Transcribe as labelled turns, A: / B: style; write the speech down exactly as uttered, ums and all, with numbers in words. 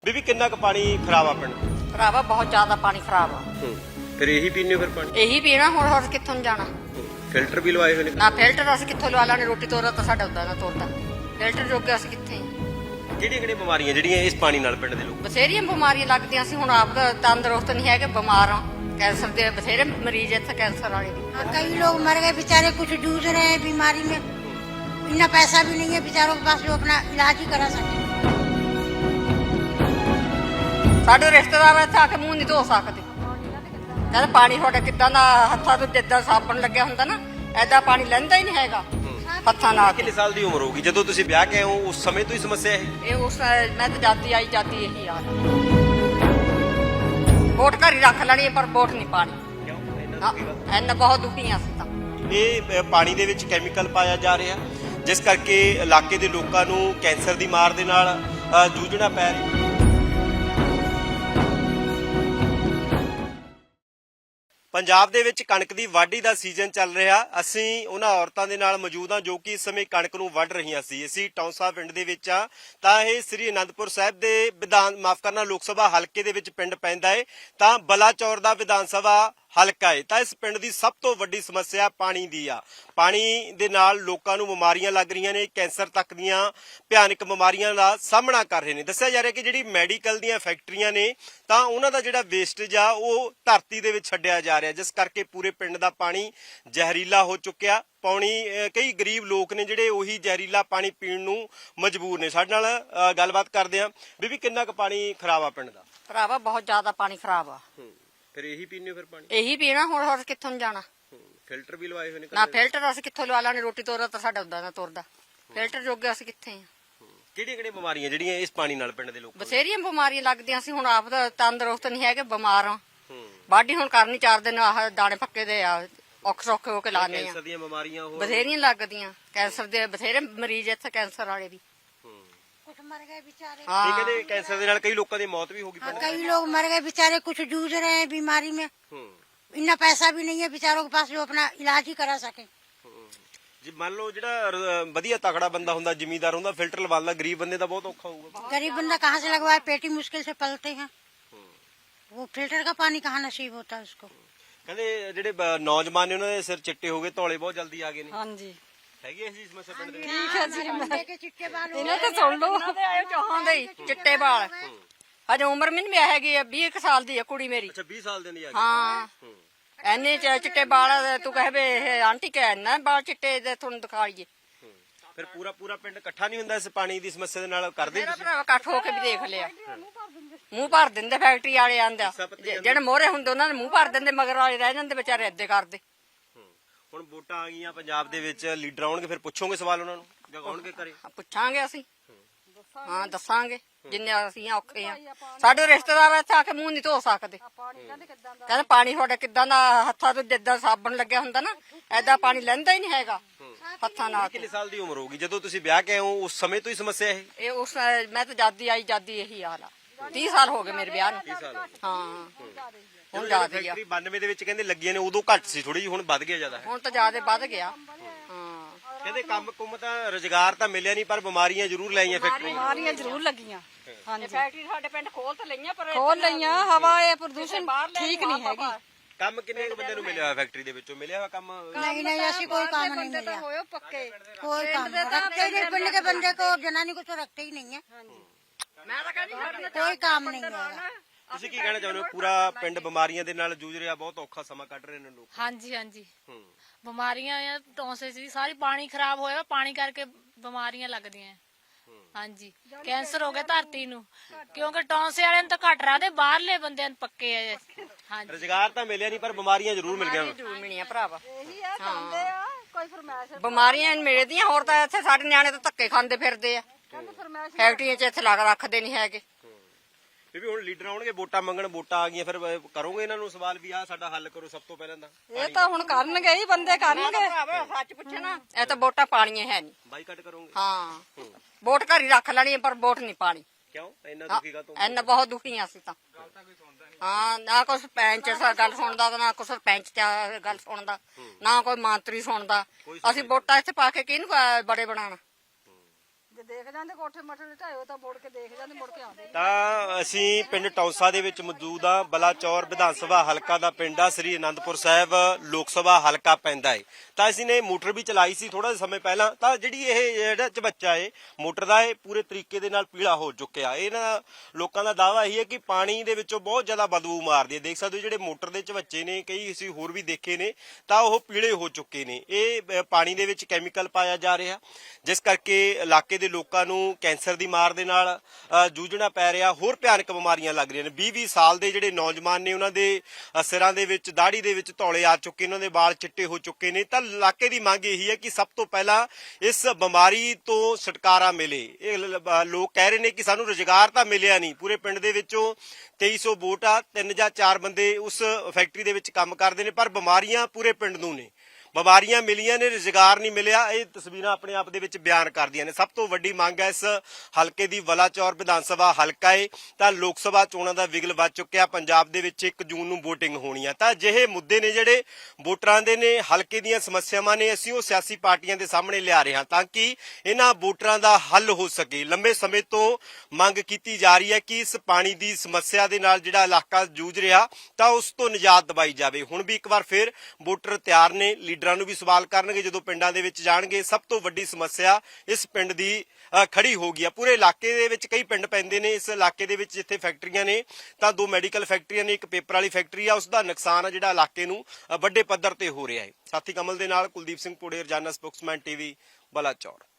A: ਬੀਬੀ ਕਿੰਨਾ ਕੁ ਪਾਣੀ ਖਰਾਬ ਆ ਪਿੰਡ?
B: ਭਰਾਵਾ ਬਹੁਤ ਜ਼ਿਆਦਾ ਪਾਣੀ ਖਰਾਬ ਆ।
A: ਹੂੰ ਫਿਰ ਇਹੀ ਪੀਣੇ ਫਿਰ ਪਾਣੀ
B: ਇਹੀ ਪੀਣਾ ਹੁਣ ਹੋਰ ਕਿੱਥੋਂ ਨੂੰ ਜਾਣਾ।
A: ਫਿਲਟਰ ਵੀ ਲਵਾਏ ਹੋਏ ਨੇ
B: ਨਾ ਫਿਲਟਰ ਅਸੀਂ ਕਿੱਥੋਂ ਲਵਾ ਲਾਂਗੇ, ਰੋਟੀ ਤੋਰਾ ਤਾਂ ਸਾਡਾ ਉਦਾਂ ਨਾ ਤੋਰਦਾ। ਫਿਲਟਰ ਜੋਗੇ ਅਸੀਂ ਕਿੱਥੇ ਆ।
A: ਕਿਹੜੀਆਂ ਕਿਹੜੀਆਂ ਬਿਮਾਰੀਆਂ ਜਿਹੜੀਆਂ ਇਸ ਪਾਣੀ ਨਾਲ ਪਿੰਡ ਦੇ ਲੋਕ?
B: ਬਥੇਰੀਆਂ ਬਿਮਾਰੀਆਂ ਲੱਗਦੀਆਂ ਸੀ, ਹੁਣ ਆਪ ਤਾਂ ਤੰਦਰੁਸਤ ਨਹੀਂ ਹੈਗੇ, ਬਿਮਾਰ ਆ। कैंसर के बथेरे मरीज इतने कैंसर वाले भी।
C: हाँ, कई लोग मर गए बेचारे, कुछ जूझ रहे हैं बीमारी में, इतना पैसा भी नहीं है बेचारों के पास जो अपना इलाज ही करा सके।
B: साडे रिश्तेदार इत्थे आके मूंह नहीं धो सकते, कहते पानी तुहाडा किदां दा, हत्थां तो जिद्दां साबण लग्या हुंदा ना ऐदा पानी लैंदा ही नहीं हैगा हत्थां नाल।
A: कितने साल दी उम्र होगी ਜਦੋਂ ਤੁਸੀਂ ਵਿਆਹ ਕੇ ਆਏ ਹੋ ਉਸ ਸਮੇਂ ਤੋਂ ਹੀ ਸਮੱਸਿਆ ਹੈ
B: ਇਹ ਉਸ ਮੈਂ ਤਾਂ ਜਾਤੀ ਆਈ ਜਾਤੀ ਇਹੀ ਹਾਲ ਆ। ਵੋਟ ਘਰ ਹੀ ਰੱਖ ਲੈਣੀ ਪਰ ਵੋਟ ਨਹੀਂ ਪਾਣੀ। ਕਿਉਂ ਇੰਨਾ ਬਹੁਤ ਦੁਖੀ ਆ ਅਸੀਂ ਤਾਂ।
A: ਇਹ ਪਾਣੀ ਦੇ ਵਿੱਚ ਕੈਮੀਕਲ ਪਾਇਆ ਜਾ ਰਿਹਾ ਜਿਸ ਕਰਕੇ ਇਲਾਕੇ ਦੇ ਲੋਕਾਂ ਨੂੰ ਕੈਂਸਰ ਦੀ ਮਾਰ ਦੇ ਨਾਲ ਜੂਝਣਾ ਪੈ ਰਿਹਾ। ਪੰਜਾਬ ਦੇ ਵਿੱਚ ਕਣਕ ਦੀ ਵਾਢੀ ਦਾ ਸੀਜ਼ਨ ਚੱਲ ਰਿਹਾ। ਅਸੀਂ ਉਹਨਾਂ ਔਰਤਾਂ ਦੇ ਨਾਲ ਮੌਜੂਦ ਹਾਂ ਜੋ ਕਿ ਇਸ ਸਮੇਂ ਕਣਕ ਨੂੰ ਵੱਢ ਰਹੀਆਂ ਸੀ। ਅਸੀਂ ਟੌਂਸਾ ਪਿੰਡ ਦੇ ਵਿੱਚ ਆ ਤਾਂ ਇਹ ਸ੍ਰੀ ਅਨੰਦਪੁਰ ਸਾਹਿਬ ਦੇ ਵਿਧਾਨ ਮਾਫ ਕਰਨਾ ਲੋਕ ਸਭਾ ਹਲਕੇ ਦੇ ਵਿੱਚ ਪਿੰਡ ਪੈਂਦਾ ਹੈ ਤਾਂ ਬਲਾਚੌਰ ਦਾ ਵਿਧਾਨ ਸਭਾ ਹਲਕਾ ਹੈ। ਤਾਂ ਇਸ ਪਿੰਡ ਦੀ ਸਭ ਤੋਂ ਵੱਡੀ ਸਮੱਸਿਆ ਪਾਣੀ ਦੀ ਆ। ਪਾਣੀ ਦੇ ਨਾਲ ਲੋਕਾਂ ਨੂੰ ਬਿਮਾਰੀਆਂ ਲੱਗ ਰਹੀਆਂ ਨੇ, ਕੈਂਸਰ ਤੱਕ ਦੀਆਂ ਭਿਆਨਕ ਬਿਮਾਰੀਆਂ ਦਾ ਸਾਹਮਣਾ ਕਰ ਰਹੇ ਨੇ। ਦੱਸਿਆ ਜਾ ਰਿਹਾ ਕਿ ਜਿਹੜੀ ਮੈਡੀਕਲ ਦੀਆਂ ਫੈਕਟਰੀਆਂ ਨੇ ਤਾਂ ਉਹਨਾਂ ਦਾ ਜਿਹੜਾ ਵੇਸਟੇਜ ਆ ਉਹ ਧਰਤੀ ਦੇ ਵਿੱਚ ਛੱਡਿਆ ਜਾ ਰਿਹਾ ਜਿਸ ਕਰਕੇ ਪੂਰੇ ਪਿੰਡ ਦਾ ਪਾਣੀ ਜ਼ਹਿਰੀਲਾ ਹੋ ਚੁੱਕਿਆ। ਪਾਣੀ ਕਈ ਗਰੀਬ ਲੋਕ ਨੇ ਜਿਹੜੇ ਉਹੀ ਜ਼ਹਿਰੀਲਾ ਪਾਣੀ ਪੀਣ ਨੂੰ ਮਜਬੂਰ ਨੇ। ਸਾਡੇ ਨਾਲ ਗੱਲਬਾਤ ਕਰਦੇ ਆ। ਬੀਬੀ ਕਿੰਨਾ ਕੁ ਪਾਣੀ ਖਰਾਬ ਆ ਪਿੰਡ ਦਾ?
B: ਭਰਾਵਾ ਬਹੁਤ ਜ਼ਿਆਦਾ ਪਾਣੀ ਖਰਾਬ ਆ।
A: ਫਿਰ ਇਹੀ ਪੀਣੇ ਫਿਰ ਪਾਣੀ
B: ਇਹੀ ਪੀਣਾ ਹੁਣ ਹੋਰ ਕਿੱਥੋਂ ਨੂੰ ਜਾਣਾ।
A: ਫਿਲਟਰ ਵੀ ਲਵਾਏ ਹੋਏ ਨੇ
B: ਨਾ ਫਿਲਟਰ ਅਸੀਂ ਕਿੱਥੋਂ ਲਵਾ ਲਾਂਗੇ, ਰੋਟੀ ਤੋਰਾ ਤਾਂ ਸਾਡਾ ਉਦਾਂ ਨਾ ਤੋਰਦਾ। ਫਿਲਟਰ ਜੋਗੇ ਅਸੀਂ ਕਿੱਥੇ ਆ।
A: ਕਿਹੜੀਆਂ ਕਿਹੜੀਆਂ ਬਿਮਾਰੀਆਂ ਜਿਹੜੀਆਂ ਇਸ ਪਾਣੀ ਨਾਲ ਪਿੰਡ ਦੇ ਲੋਕ?
B: ਬਥੇਰੀਆਂ ਬਿਮਾਰੀਆਂ ਲੱਗਦੀਆਂ ਸੀ, ਹੁਣ ਆਪ ਤਾਂ ਤੰਦਰੁਸਤ ਨਹੀਂ ਹੈਗੇ, ਬਿਮਾਰ ਆ। ਬਾਡੀ ਹੁਣ ਕਰਨੀ ਚਾਰ ਦਿਨ ਆਹ ਦਾਣੇ ਪੱਕੇ ਦੇ ਆ, ਔਖ ਸੌਖੇ ਹੋ ਕੇ ਲਾਣੇ ਆ।
A: ਕੈਂਸਰ ਦੀਆਂ ਬਿਮਾਰੀਆਂ ਹੋਰ
B: ਬਥੇਰੀਆਂ ਲੱਗਦੀਆਂ, ਕੈਂਸਰ ਦੇ ਬਥੇਰੇ ਮਰੀਜ਼ ਇੱਥੇ ਕੈਂਸਰ ਵਾਲੇ ਵੀ।
C: कुछ मर गए बेचारे।
B: हाँ,
A: ਇਹ ਕਹਿੰਦੇ ਕੈਂਸਰ ਦੇ ਨਾਲ ਕਈ ਲੋਕਾਂ ਦੀ ਮੌਤ ਵੀ ਹੋ ਗਈ
C: हाँ,
A: ਪਿੰਡ
C: कई लोग मर गए बेचारे, कुछ जूझ रहे हैं बीमारी में, इतना पैसा भी नहीं है बेचारों के पास जो अपना इलाज ही करा सके।
A: ਜੀ ਮੰਨ ਲਓ ਜਿਹੜਾ ਰ- ਵਧੀਆ ਤਕੜਾ ਬੰਦਾ ਹੁੰਦਾ, ਜ਼ਿਮੀਂਦਾਰ ਹੁੰਦਾ, ਫਿਲਟਰ ਲਵਾਉਂਦਾ, ਗਰੀਬ ਬੰਦੇ ਦਾ ਬਹੁਤ ਔਖਾ ਹੋਊਗਾ।
C: गरीब बंदा कहाँ से लगवाए, पेटी मुश्किल से पलते हैं, वो फिल्टर का पानी कहाँ नसीब होता है उसको।
A: ਕਹਿੰਦੇ ਜਿਹੜੇ ਬ- ਨੌਜਵਾਨ ਨੇ ਉਹਨਾਂ ਦੇ ਸਿਰ ਚਿੱਟੇ ਹੋ ਗਏ, ਧੌਲੇ ਬਹੁਤ ਜਲਦੀ ਆ ਗਏ ਨੇ।
B: ਹਾਂਜੀ
A: ਹੈਗੀ ਇਸ ਸਮੱਸਿਆ ਪਿੰਡ ਦੇ ਵਿੱਚ?
B: ਠੀਕ ਹੈ ਜੀ।
C: मुंडे के चिट्टे बाल हो
B: ਇਹਨਾਂ ਤੇ ਸੁਣ ਲਓ, ਚਾਹਾਂ ਦੇ ਚਿੱਟੇ ਵਾਲ। ਹਜੇ ਉਮਰ ਵੀ ਨਹੀਂ ਹੈਗੀ, ਵੀਹ ਕੁ ਸਾਲ ਦੀ ਹੈ ਕੁੜੀ ਮੇਰੀ।
A: ਅੱਛਾ ਵੀਹ ਸਾਲ ਦੇ ਨਹੀਂ ਆ ਗਏ।
B: ਹਾਂ ਐਨੇ ਚਿੱਟੇ ਵਾਲ, ਤੂੰ ਕਹਵੇ ਇਹ ਆਂਟੀ ਕਹਿ ਨਾ ਬਾਲ ਚਿੱਟੇ ਦੇ ਤੁਹਾਨੂੰ ਦਿਖਾਈਏ।
A: ਫਿਰ ਪੂਰਾ ਪੂਰਾ ਪਿੰਡ ਇਕੱਠਾ ਨਹੀਂ ਹੁੰਦਾ ਇਸ ਪਾਣੀ ਦੀ ਸਮੱਸਿਆ ਦੇ ਨਾਲ? ਕਰਦੇ
B: ਮੇਰਾ ਭਰਾ ਇਕੱਠ ਹੋ ਕੇ ਵੀ ਦੇਖ ਲਿਆ, ਮੂੰਹ ਭਰ ਦਿੰਦੇ ਫੈਕਟਰੀ ਵਾਲੇ ਆਂਦਾ, ਜਿਹੜੇ ਮੋਹਰੇ ਹੁੰਦੇ ਉਹਨਾਂ ਦੇ ਮੂੰਹ ਭਰ ਦਿੰਦੇ, ਮਗਰ ਵਾਲੇ ਰਹਿ ਜਾਂਦੇ ਵਿਚਾਰੇ ਏਦਾਂ ਕਰਦੇ।
A: ਹੁਣ ਵੋਟਾਂ ਆ ਗਈਆਂ ਪੰਜਾਬ ਦੇ ਵਿੱਚ, ਲੀਡਰ ਆਉਣਗੇ, ਫਿਰ ਪੁੱਛੋਗੇ ਸਵਾਲ ਉਹਨਾਂ ਨੂੰ ਜਾਂ ਆਉਣਗੇ ਘਰੇ?
B: ਪੁੱਛਾਂਗੇ ਅਸੀਂ, ਹਾਂ ਦੱਸਾਂਗੇ ਜਿੰਨੇ ਅਸੀਂ ਔਖੇ ਆ। ਸਾਡੇ ਰਿਸ਼ਤੇਦਾਰ ਇੱਥੇ ਆ ਕੇ ਮੂੰਹ ਨਹੀਂ ਧੋ ਸਕਦੇ, ਕਹਿੰਦੇ ਪਾਣੀ ਤੁਹਾਡਾ ਕਿਦਾਂ ਦਾ, ਹੱਥਾਂ ਤੋਂ ਜਿੱਦਾਂ ਸਾਬਣ ਲੱਗਿਆ ਹੁੰਦਾ ਨਾ ਐਦਾ ਪਾਣੀ ਲੈਂਦਾ ਹੀ ਨਹੀਂ ਹੈਗਾ ਹੱਥਾਂ ਨਾਲ।
A: ਕਿੰਨੇ ਸਾਲ ਦੀ ਉਮਰ ਹੋਗੀ ਜਦੋਂ ਤੁਸੀਂ ਵਿਆਹ ਕੇ ਆਏ ਹੋ ਉਸ ਸਮੇਂ ਤੋਂ ਹੀ ਸਮੱਸਿਆ ਇਹ?
B: ਇਹ ਉਸ ਮੈਂ ਤਾਂ ਜਾਦੀ ਆਈ ਜਾਦੀ ਇਹੀ ਹਾਲ ਆ। ਤੀਹ ਸਾਲ ਹੋ ਗਏ ਮੇਰੇ ਵਿਆਹ ਨੂੰ। ਹਾਂ ਹੁਣ ਜ਼ਿਆਦਾ ਹੀ ਆ।
A: ਫੈਕਟਰੀ ਬਾਨਵੇਂ ਦੇ ਵਿੱਚ ਕਹਿੰਦੇ ਲੱਗੀਆਂ ਨੇ, ਉਦੋਂ ਘੱਟ ਸੀ ਥੋੜੀ ਜਿਹੀ, ਹੁਣ ਵੱਧ ਗਿਆ ਜ਼ਿਆਦਾ।
B: ਹੁਣ ਤਾਂ ਜ਼ਿਆਦਾ ਵੱਧ ਗਿਆ। ਹਾਂ
A: ਕਹਿੰਦੇ ਕੰਮ ਕੁੰਮ ਤਾਂ ਰੁਜ਼ਗਾਰ ਤਾਂ ਮਿਲਿਆ ਨਹੀਂ ਪਰ ਬਿਮਾਰੀਆਂ ਜ਼ਰੂਰ ਲਾਈਆਂ ਫੈਕਟਰੀ।
D: ਬਿਮਾਰੀਆਂ ਜ਼ਰੂਰ ਲੱਗੀਆਂ।
B: ਹਾਂਜੀ ਫੈਕਟਰੀ ਸਾਡੇ ਪਿੰਡ ਖੋਲ ਤਾਂ ਲਈਆਂ ਪਰ
D: ਖੋਲ ਲਈਆਂ, ਹਵਾ ਇਹ ਪ੍ਰਦੂਸ਼ਣ ਠੀਕ ਨਹੀਂ ਹੈਗੀ।
A: ਕੰਮ ਕਿੰਨੇ ਕੁ ਬੰਦੇ ਨੂੰ ਮਿਲਿਆ ਹੋਇਆ ਫੈਕਟਰੀ ਦੇ ਵਿੱਚੋਂ? ਮਿਲਿਆ ਹੋਇਆ ਕੰਮ?
C: नहीं नहीं ऐसी कोई काम नहीं मिला,
D: ਹੋਇਓ ਪੱਕੇ।
C: कोई काम रखते ही नहीं, पिंड के बंदे को जनानी को तो रखते ही नहीं है,
B: ਮੈਂ ਤਾਂ ਕਹਿੰਦੀ
C: कोई काम नहीं है।
A: ਤੁਸੀਂ ਕੀ ਕਹਿਣਾ ਚਾਹੁੰਦੇ ਹੋ? ਪੂਰਾ ਪਿੰਡ ਬਿਮਾਰੀਆਂ ਦੇ ਨਾਲ ਜੂਝ ਰਿਹਾ, ਬਹੁਤ ਔਖਾ ਸਮਾਂ ਕੱਢ ਰਹੇ ਨੇ ਲੋਕ।
E: ਹਾਂਜੀ ਹਾਂਜੀ
A: ਹੂੰ
E: ਬਿਮਾਰੀਆਂ ਆ, ਟੌਂਸੇ ਸੀ ਸਾਰੀ, ਪਾਣੀ ਖਰਾਬ ਹੋਇਆ, ਪਾਣੀ ਕਰਕੇ ਬਿਮਾਰੀਆਂ ਲੱਗਦੀਆਂ। ਹਾਂਜੀ ਕੈਂਸਰ ਹੋ ਗਿਆ ਧਰਤੀ ਨੂੰ, ਕਿਉਂਕਿ ਟੌਂਸੇ ਵਾਲਿਆਂ ਨੂੰ ਤਾਂ ਘੱਟ ਰਹਦੇ, ਬਾਹਰਲੇ ਬੰਦਿਆਂ ਨੂੰ ਪੱਕੇ ਆ। ਹਾਂਜੀ
A: ਰੁਜ਼ਗਾਰ ਤਾਂ ਮਿਲਿਆ ਨਹੀਂ ਪਰ ਬਿਮਾਰੀਆਂ ਜ਼ਰੂਰ ਮਿਲ ਗਈਆਂ।
B: ਜ਼ਰੂਰ ਮਿਲੀਆਂ ਭਰਾਵਾ,
D: ਆ ਕੋਈ ਫਰਮਾਇਸ਼
B: ਬਿਮਾਰੀਆਂ ਮਿਲਦੀਆਂ। ਹੋਰ ਤਾਂ ਇੱਥੇ ਸਾਡੇ ਨਿਆਣੇ ਤਾਂ ਧੱਕੇ ਖਾਂਦੇ ਫਿਰਦੇ ਆ, ਫੈਕਟਰੀਆਂ 'ਚ ਇੱਥੇ ਲੱਗ ਰੱਖਦੇ ਨਹੀਂ ਹੈਗੇ।
A: ਬੀਬੀ ਹੁਣ ਲੀਡਰ ਆਉਣਗੇ ਵੋਟਾਂ ਮੰਗਣ, ਵੋਟਾਂ ਆ ਗਈਆਂ, ਫਿਰ ਕਰੋਗੇ ਇਹਨਾਂ ਨੂੰ ਸਵਾਲ ਵੀ ਆਹ ਸਾਡਾ ਹੱਲ ਕਰੋ ਸਭ ਤੋਂ ਪਹਿਲਾਂ ਤਾਂ?
D: ਇਹ ਤਾਂ ਹੁਣ ਕਰਨਗੇ ਹੀ, ਬੰਦੇ ਕਰਨਗੇ।
B: ਭਰਾਵਾ ਸੱਚ ਪੁੱਛੇ ਨਾ, ਇਹ ਤਾਂ ਵੋਟਾਂ ਪਾਣੀਆਂ ਹੈ ਨਹੀਂ।
A: ਬਾਈਕਾਟ ਕਰੋਗੇ?
B: ਹਾਂ ਵੋਟ ਘਰ ਹੀ ਰੱਖ ਲੈਣੀ ਪਰ ਵੋਟ ਨਹੀਂ ਪਾਣੀ।
A: ਕਿਉਂ ਇੰਨਾ ਦੁਖੀ ਕਾ ਤੂੰ?
B: ਇੰਨਾ ਬਹੁਤ ਦੁਖੀ ਆ ਅਸੀਂ ਤਾਂ। ਹਾਂ ਨਾ ਕੋਈ ਸਰਪੰਚ ਗੱਲ ਸੁਣਦਾ, ਨਾ ਕੋਈ ਸਰਪੰਚ ਗੱਲ ਸੁਣਦਾ, ਨਾ ਕੋਈ ਮੰਤਰੀ ਸੁਣਦਾ। ਅਸੀਂ ਵੋਟਾਂ ਇੱਥੇ ਪਾ ਕੇ ਕਿਹਨੂੰ ਬੜੇ ਬਣਾਉਣਾ?
D: ਜੇ ਦੇਖ ਜਾਂਦੇ ਕੋਠੇ ਮੱਠੇ ਢਾਇਓ ਤਾਂ ਮੁੜ ਕੇ ਦੇਖ ਜਾਂਦੇ ਮੁੜ ਕੇ ਆਉਂਦੇ
A: ਤਾਂ ਅਸੀਂ ਪਿੰਡ ਟੌਂਸਾ ਦੇ ਵਿੱਚ ਮੌਜੂਦ ਆ। ਬਲਾਚੌਰ ਵਿਧਾਨ ਸਭਾ ਹਲਕਾ ਦਾ ਪਿੰਡ ਆ, ਸ੍ਰੀ ਅਨੰਦਪੁਰ ਸਾਹਿਬ ਲੋਕ ਸਭਾ ਹਲਕਾ ਪੈਂਦਾ ਏ। ਤਾਂ ਅਸੀਂ ਨੇ ਮੋਟਰ ਵੀ ਚਲਾਈ ਸੀ ਥੋੜਾ ਜਿਹਾ ਸਮੇਂ ਪਹਿਲਾਂ। ਤਾਂ ਜਿਹੜੀ ਇਹ ਜਿਹੜਾ ਚਬੱਚਾ ਏ ਮੋਟਰ ਦਾ, ਇਹ ਪੂਰੇ ਤਰੀਕੇ ਦੇ ਨਾਲ ਪੀਲਾ ਹੋ ਚੁੱਕਿਆ। ਇਹਨਾਂ ਲੋਕਾਂ ਦਾ ਦਾਅਵਾ ਇਹੀ ਹੈ ਕਿ ਪਾਣੀ ਦੇ ਵਿੱਚੋਂ ਬਹੁਤ ਜ਼ਿਆਦਾ ਬਦਬੂ ਮਾਰਦੀ ਹੈ। ਦੇਖ ਸਕਦੇ ਹੋ ਜਿਹੜੇ ਮੋਟਰ ਦੇ ਚਬੱਚੇ ਨੇ, ਕਈ ਅਸੀਂ ਹੋਰ ਵੀ ਦੇਖੇ ਨੇ, ਤਾਂ ਉਹ ਪੀਲੇ ਹੋ ਚੁੱਕੇ ਨੇ। ਇਹ ਅ, ਪਾਣੀ ਦੇ ਵਿੱਚ ਕੈਮੀਕਲ ਪਾਇਆ ਜਾ ਰਿਹਾ, ਜਿਸ ਕਰਕੇ ਇਲਾਕੇ ਦੇ ਲੋਕਾਂ ਨੂੰ ਕੈਂਸਰ ਦੀ ਮਾਰ ਦੇ ਨਾਲ ਅ, ਜੂਝਣਾ ਪੈ ਰਿਹਾ। ਹੋਰ ਭਿਆਨਕ ਬਿਮਾਰੀਆਂ ਲੱਗ ਰਹੀਆਂ ਨੇ। ਵੀਹ ਵੀਹ ਸਾਲ ਦੇ ਜਿਹੜੇ ਨੌਜਵਾਨ ਨੇ, ਉਹਨਾਂ ਦੇ ਅ, ਸਿਰਾਂ ਦੇ ਵਿੱਚ ਦਾੜੀ ਦੇ ਵਿੱਚ ਧੌਲੇ ਆ ਚੁੱਕੇ, ਉਹਨਾਂ ਦੇ ਵਾਲ ਚਿੱਟੇ ਹੋ ਚੁੱਕੇ ਨੇ। ਤਾਂ ਇਲਾਕੇ ਦੀ ਮੰਗ ਇਹੀ ਹੈ ਕਿ ਸਭ ਤੋਂ ਪਹਿਲਾਂ ਇਸ ਬਿਮਾਰੀ ਤੋਂ ਛੁਟਕਾਰਾ ਮਿਲੇ। ਇਹ ਲ- ਲ- ਲੋਕ ਕਹਿ ਰਹੇ ਨੇ ਕਿ ਸਾਨੂੰ ਰੁਜ਼ਗਾਰ ਤਾਂ ਮਿਲਿਆ ਨਹੀਂ। ਪੂਰੇ ਪਿੰਡ ਦੇ ਵਿੱਚੋਂ ਤੇਈ ਸੌ ਵੋਟ ਆ, ਤਿੰਨ ਜਾਂ ਚਾਰ ਬੰਦੇ ਉਸ ਫੈਕਟਰੀ ਦੇ ਵਿੱਚ ਕੰਮ ਕਰਦੇ ਨੇ, ਪਰ ਬਿਮਾਰੀਆਂ ਪੂਰੇ ਪਿੰਡ ਨੂੰ ਨੇ। ਬਿਮਾਰੀਆਂ ਮਿਲੀਆਂ ਨੇ, ਰੁਜ਼ਗਾਰ ਨਹੀਂ ਮਿਲਿਆ। ਇਹ ਤਸਵੀਰਾਂ ਆਪਣੇ ਆਪ ਦੇ ਵਿੱਚ ਬਿਆਨ ਕਰਦੀਆਂ ਨੇ। ਸਭ ਤੋਂ ਵੱਡੀ ਮੰਗ ਹੈ ਇਸ ਹਲਕੇ ਦੀ, ਬਲਾਚੌਰ ਵਿਧਾਨ ਸਭਾ ਹਲਕਾ ਏ। ਤਾਂ ਲੋਕ ਸਭਾ ਚੋਣਾਂ ਦਾ ਵਿਗਲ ਵੱਜ ਚੁੱਕਿਆ। ਪੰਜਾਬ ਦੇ ਵਿੱਚ ਇੱਕ ਜੂਨ ਨੂੰ VOTING ਹੋਣੀ ਆ। ਤਾਂ ਅਜਿਹੇ ਮੁੱਦੇ ਨੇ ਜਿਹੜੇ ਵੋਟਰਾਂ ਦੇ ਨੇ, ਹਲਕੇ ਦੀਆਂ ਸਮੱਸਿਆਵਾਂ ਨੇ, ਅਸੀਂ ਉਹ ਸਿਆਸੀ ਪਾਰਟੀਆਂ ਦੇ ਸਾਹਮਣੇ ਲਿਆ ਰਹੇ ਹਾਂ ਤਾਂ ਕਿ ਇਹਨਾਂ ਵੋਟਰਾਂ ਦਾ ਹੱਲ ਹੋ ਸਕੇ। ਲੰਬੇ ਸਮੇਂ ਤੋਂ ਮੰਗ ਕੀਤੀ ਜਾ ਰਹੀ ਹੈ ਕਿ ਇਸ ਪਾਣੀ ਦੀ ਸਮੱਸਿਆ ਦੇ ਨਾਲ ਜਿਹੜਾ ਇਲਾਕਾ ਜੂਝ ਰਿਹਾ, ਤਾਂ ਉਸ ਤੋਂ ਨਿਜਾਤ ਦਿਵਾਈ ਜਾਵੇ। ਹੁਣ ਵੀ ਇੱਕ ਵਾਰ ਫਿਰ ਵੋਟਰ ਤਿਆਰ ਨੇ, ਲੀਡਰਾਂ ਨੂੰ ਵੀ ਸਵਾਲ ਕਰਨਗੇ ਜਦੋਂ ਪਿੰਡਾਂ ਦੇ ਵਿੱਚ ਜਾਣਗੇ। ਸਭ ਤੋਂ ਵੱਡੀ ਸਮੱਸਿਆ ਇਸ ਪਿੰਡ ਦੀ ਅ, ਖੜੀ ਹੋ ਗਈ ਆ। ਪੂਰੇ ਇਲਾਕੇ ਦੇ ਵਿੱਚ ਕਈ ਪਿੰਡ ਪੈਂਦੇ ਨੇ। ਇਸ ਇਲਾਕੇ ਦੇ ਵਿੱਚ ਜਿੱਥੇ ਫੈਕਟਰੀਆਂ ਨੇ, ਤਾਂ ਦੋ ਮੈਡੀਕਲ ਫੈਕਟਰੀਆਂ ਨੇ, ਇੱਕ ਪੇਪਰ ਵਾਲੀ ਫੈਕਟਰੀ ਆ। ਉਸ ਦਾ ਨੁਕਸਾਨ ਆ ਜਿਹੜਾ ਇਲਾਕੇ ਨੂੰ ਅ, ਵੱਡੇ ਪੱਧਰ ਤੇ ਹੋ ਰਿਹਾ ਹੈ। ਸਾਥੀ ਕਮਲ ਦੇ ਨਾਲ ਕੁਲਦੀਪ ਸਿੰਘ ਪੋੜੇ, ਰੋਜ਼ਾਨਾ ਸਪੋਕਸਮੈਨ ਟੀਵੀ, ਬਲਾਚੌਰ।